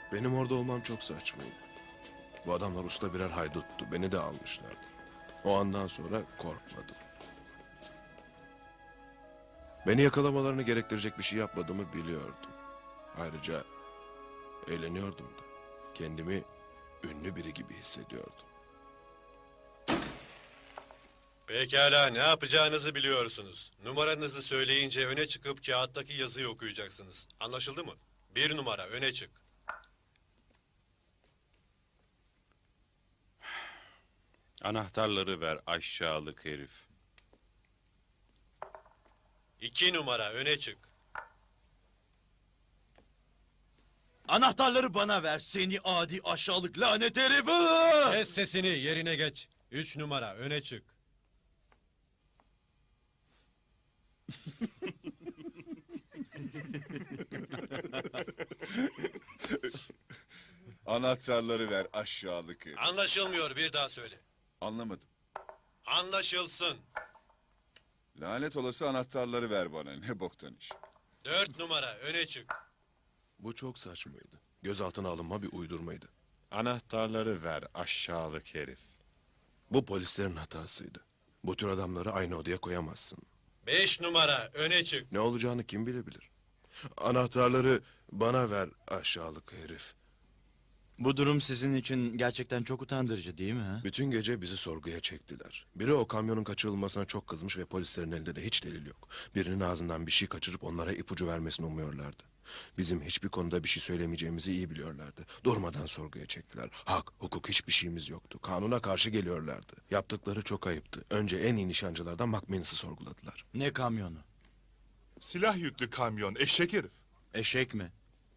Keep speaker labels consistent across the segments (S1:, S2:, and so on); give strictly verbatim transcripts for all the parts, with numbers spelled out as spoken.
S1: Benim orada olmam çok saçmaydı. Bu adamlar usta birer hayduttu. Beni de almışlardı. O andan sonra korkmadım. Beni yakalamalarını gerektirecek bir şey yapmadığımı biliyordum. Ayrıca eğleniyordum da. Kendimi ünlü biri gibi hissediyordum.
S2: Pekala, ne yapacağınızı biliyorsunuz. Numaranızı söyleyince öne çıkıp kağıttaki yazıyı okuyacaksınız. Anlaşıldı mı? Bir numara, öne çık.
S3: Anahtarları ver aşağılık herif.
S2: İki numara, öne çık.
S4: Anahtarları bana ver seni adi aşağılık lanet herif!
S2: Kes sesini, yerine geç. Üç numara, öne çık.
S5: Anahtarları ver aşağılık herif.
S2: Anlaşılmıyor, bir daha söyle.
S5: Anlamadım.
S2: Anlaşılsın.
S5: Lanet olası anahtarları ver bana. Ne boktan iş.
S2: Dört numara, öne çık.
S1: Bu çok saçmaydı. Gözaltına alınma bir uydurmaydı.
S6: Anahtarları ver aşağılık herif.
S1: Bu polislerin hatasıydı. Bu tür adamları aynı odaya koyamazsın.
S2: Beş numara, öne çık.
S1: Ne olacağını kim bilebilir? Anahtarları bana ver aşağılık herif.
S4: Bu durum sizin için gerçekten çok utandırıcı değil mi? Ha?
S1: Bütün gece bizi sorguya çektiler. Biri o kamyonun kaçırılmasına çok kızmış ve polislerin elinde de hiç delil yok. Birinin ağzından bir şey kaçırıp onlara ipucu vermesini umuyorlardı. Bizim hiçbir konuda bir şey söylemeyeceğimizi iyi biliyorlardı. Durmadan sorguya çektiler. Hak, hukuk hiçbir şeyimiz yoktu. Kanuna karşı geliyorlardı. Yaptıkları çok ayıptı. Önce en iyi nişancılardan McManus'ı sorguladılar.
S4: Ne kamyonu?
S6: Silah yüklü kamyon, eşek herif.
S4: Eşek mi?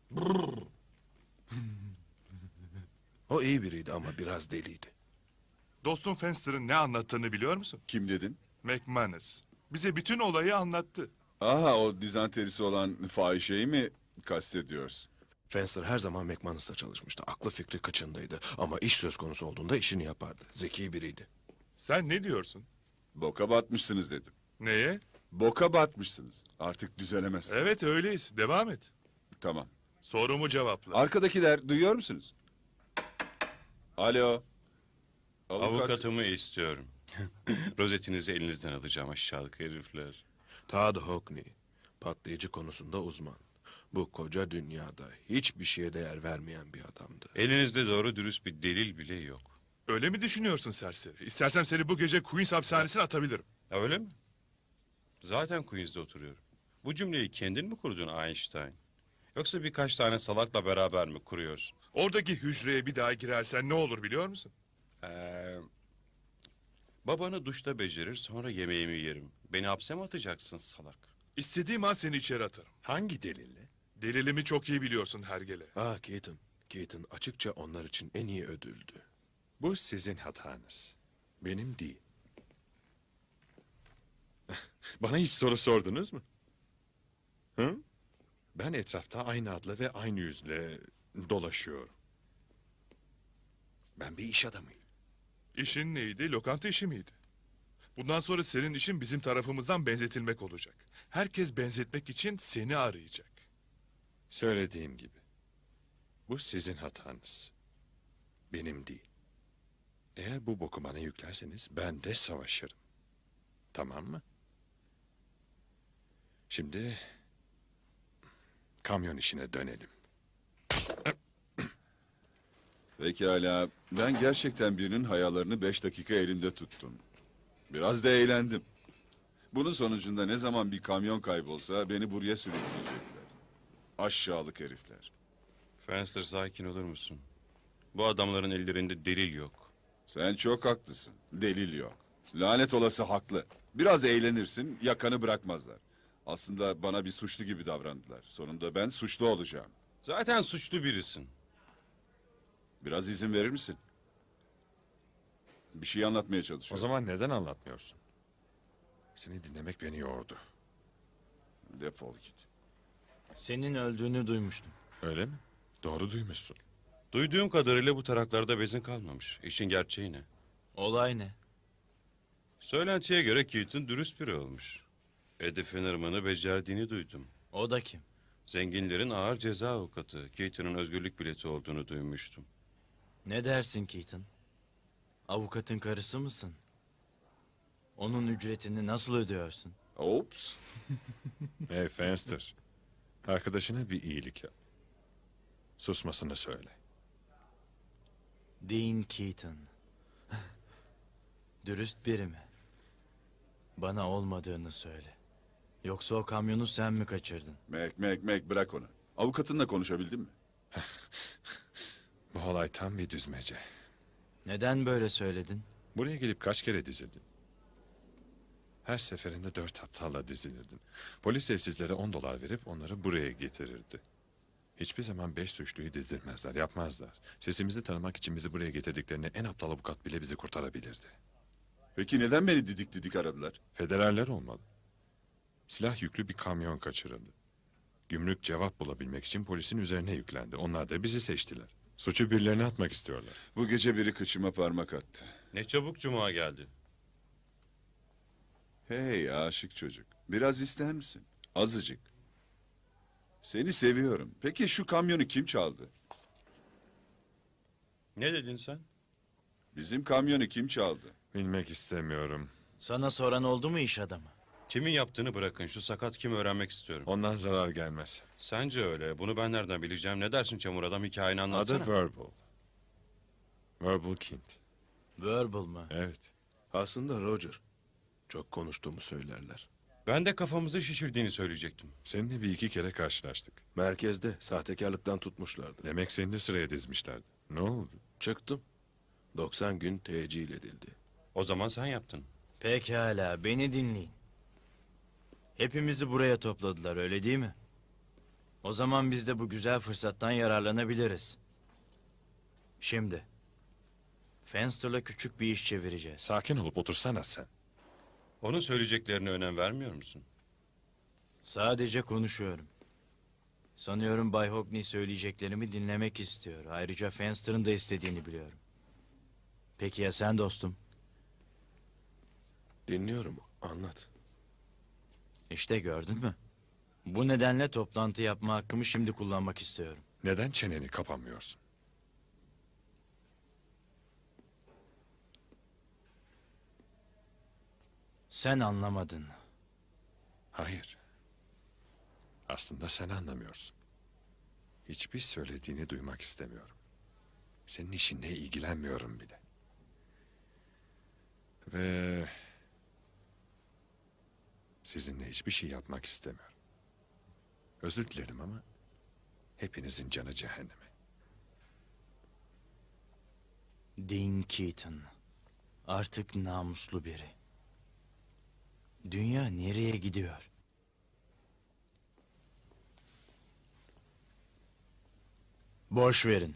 S1: O iyi biriydi ama biraz deliydi.
S6: Dostum Fenster'ın ne anlattığını biliyor musun?
S5: Kim dedin?
S6: McManus. Bize bütün olayı anlattı.
S5: Aha, o dizanterisi olan fahişeyi mi kastediyoruz?
S1: Fenster her zaman McManus'la çalışmıştı. Aklı fikri kaçındaydı. Ama iş söz konusu olduğunda işini yapardı. Zeki biriydi.
S6: Sen ne diyorsun?
S5: Boka batmışsınız dedim.
S6: Neye?
S5: Boka batmışsınız. Artık düzelemezsiniz.
S6: Evet öyleyiz. Devam et.
S5: Tamam.
S6: Sorumu cevapla.
S5: Arkadakiler duyuyor musunuz? Alo. Avukat.
S3: Avukatımı istiyorum. Rozetinizi elinizden alacağım aşağılık herifler.
S1: Todd Hockney, patlayıcı konusunda uzman. Bu koca dünyada hiçbir şeye değer vermeyen bir adamdı.
S3: Elinizde doğru dürüst bir delil bile yok.
S6: Öyle mi düşünüyorsun serseri? İstersen seni bu gece Queens hapishanesine atabilirim.
S3: Ha, öyle mi? Zaten Queens'de oturuyorum. Bu cümleyi kendin mi kurdun Einstein? Yoksa birkaç tane salakla beraber mi kuruyorsun?
S6: Oradaki hücreye bir daha girersen ne olur biliyor musun?
S3: Ee, babanı duşta becerir sonra yemeğimi yerim. Beni hapse mi atacaksın salak?
S6: İstediğim an seni içeri atarım.
S7: Hangi delille?
S6: Delilimi çok iyi biliyorsun hergele.
S1: Ah Keaton, Keaton açıkça onlar için en iyi ödüldü.
S7: Bu sizin hatanız. Benim değil. Bana hiç soru sordunuz mu? Hı? Ben etrafta aynı adla ve aynı yüzle dolaşıyorum. Ben bir iş adamıyım.
S6: İşin neydi? Lokanta işi miydi? Bundan sonra senin işin bizim tarafımızdan benzetilmek olacak. Herkes benzetmek için seni arayacak.
S7: Söylediğim gibi. Bu sizin hatanız. Benim değil. Eğer bu boku bana yüklerseniz ben de savaşırım. Tamam mı? Şimdi kamyon işine dönelim.
S5: Pekala. Ben gerçekten birinin hayallerini beş dakika elimde tuttum. Biraz da eğlendim. Bunun sonucunda ne zaman bir kamyon kaybolsa beni buraya sürükleyecekler. Aşağılık herifler.
S3: Fenster sakin olur musun? Bu adamların ellerinde delil yok.
S5: Sen çok haklısın. Delil yok. Lanet olası haklı. Biraz eğlenirsin, yakanı bırakmazlar. Aslında bana bir suçlu gibi davrandılar. Sonunda ben suçlu olacağım.
S3: Zaten suçlu birisin.
S5: Biraz izin verir misin? Bir şey anlatmaya
S7: O
S5: çalışıyorum.
S7: zaman neden anlatmıyorsun? Seni dinlemek beni yordu.
S5: Defol git.
S4: Senin öldüğünü duymuştum.
S7: Öyle mi? Doğru duymuşsun.
S3: Duyduğum kadarıyla bu taraklarda bezin kalmamış. İşin gerçeği ne?
S4: Olay ne?
S3: Söylentiye göre Keaton dürüst biri olmuş. Eddie Finnerman'ı becerdiğini duydum.
S4: O da kim?
S3: Zenginlerin ağır ceza avukatı. Keaton'un özgürlük bileti olduğunu duymuştum.
S4: Ne dersin Keaton? Avukatın karısı mısın? Onun ücretini nasıl ödüyorsun?
S5: Ops.
S7: Hey Fenster. Arkadaşına bir iyilik yap. Susmasını söyle.
S4: Dean Keaton. Dürüst biri mi? Bana olmadığını söyle. Yoksa o kamyonu sen mi kaçırdın?
S5: Mac, Mac, Mac bırak onu. Avukatınla konuşabildin mi?
S7: Bu olay tam bir düzmece.
S4: Neden böyle söyledin?
S7: Buraya gelip kaç kere dizildin? Her seferinde dört aptalla dizilirdin. Polis evsizlere on dolar verip onları buraya getirirdi. Hiçbir zaman beş suçluyu dizdirmezler, yapmazlar. Sesimizi tanımak için bizi buraya getirdiklerinde en aptal avukat bile bizi kurtarabilirdi.
S5: Peki neden beni didik didik aradılar?
S7: Federaller olmalı. Silah yüklü bir kamyon kaçırıldı. Gümrük cevap bulabilmek için polisin üzerine yüklendi. Onlar da bizi seçtiler. Suçu birilerine atmak istiyorlar.
S5: Bu gece biri kıçıma parmak attı.
S3: Ne çabuk cuma geldi.
S5: Hey aşık çocuk. Biraz ister misin? Azıcık. Seni seviyorum. Peki şu kamyonu kim çaldı?
S3: Ne dedin sen?
S5: Bizim kamyonu kim çaldı?
S7: Bilmek istemiyorum.
S4: Sana soran oldu mu iş adamı?
S3: Kimin yaptığını bırakın. Şu sakat kim öğrenmek istiyorum.
S7: Ondan zarar gelmez.
S3: Sence öyle. Bunu ben nereden bileceğim? Ne dersin çamur adam? Hikayeni anlatsana.
S7: Adı Verbal. Verbal Kint.
S4: Verbal mı?
S7: Evet.
S1: Aslında Roger. Çok konuştuğumu söylerler.
S3: Ben de kafamızı şişirdiğini söyleyecektim.
S7: Seninle bir iki kere karşılaştık.
S1: Merkezde sahtekarlıktan tutmuşlardı.
S7: Demek seni de sıraya dizmişlerdi. Ne oldu?
S1: Çıktım. doksan gün tecil edildi.
S3: O zaman sen yaptın.
S4: Pekala, beni dinleyin. Hepimizi buraya topladılar, öyle değil mi? O zaman biz de bu güzel fırsattan yararlanabiliriz. Şimdi, Fenster'la küçük bir iş çevireceğiz.
S7: Sakin olup otursana sen.
S3: Onun söyleyeceklerine önem vermiyor musun?
S4: Sadece konuşuyorum. Sanıyorum Bay Hockney söyleyeceklerimi dinlemek istiyor. Ayrıca Fenster'ın da istediğini biliyorum. Peki ya sen dostum?
S1: Dinliyorum. Anlat.
S4: İşte gördün mü? Bu nedenle toplantı yapma hakkımı şimdi kullanmak istiyorum.
S7: Neden çeneni kapamıyorsun?
S4: Sen anlamadın.
S7: Hayır. Aslında sen anlamıyorsun. Hiçbir söylediğini duymak istemiyorum. Senin işinle ilgilenmiyorum bile. Ve sizinle hiçbir şey yapmak istemiyorum. Özür dilerim ama hepinizin canı cehenneme.
S4: Dean Keaton. Artık namuslu biri. Dünya nereye gidiyor? Boş verin.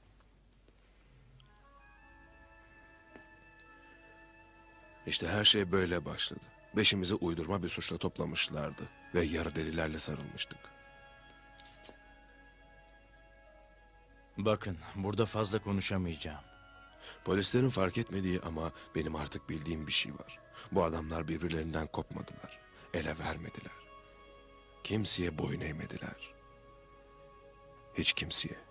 S1: İşte her şey böyle başladı. Beşimizi uydurma bir suçla toplamışlardı. Ve yarı delilerle sarılmıştık.
S4: Bakın, burada fazla konuşamayacağım.
S1: Polislerin fark etmediği ama benim artık bildiğim bir şey var. Bu adamlar birbirlerinden kopmadılar. Ele vermediler. Kimseye boyun eğmediler. Hiç kimseye.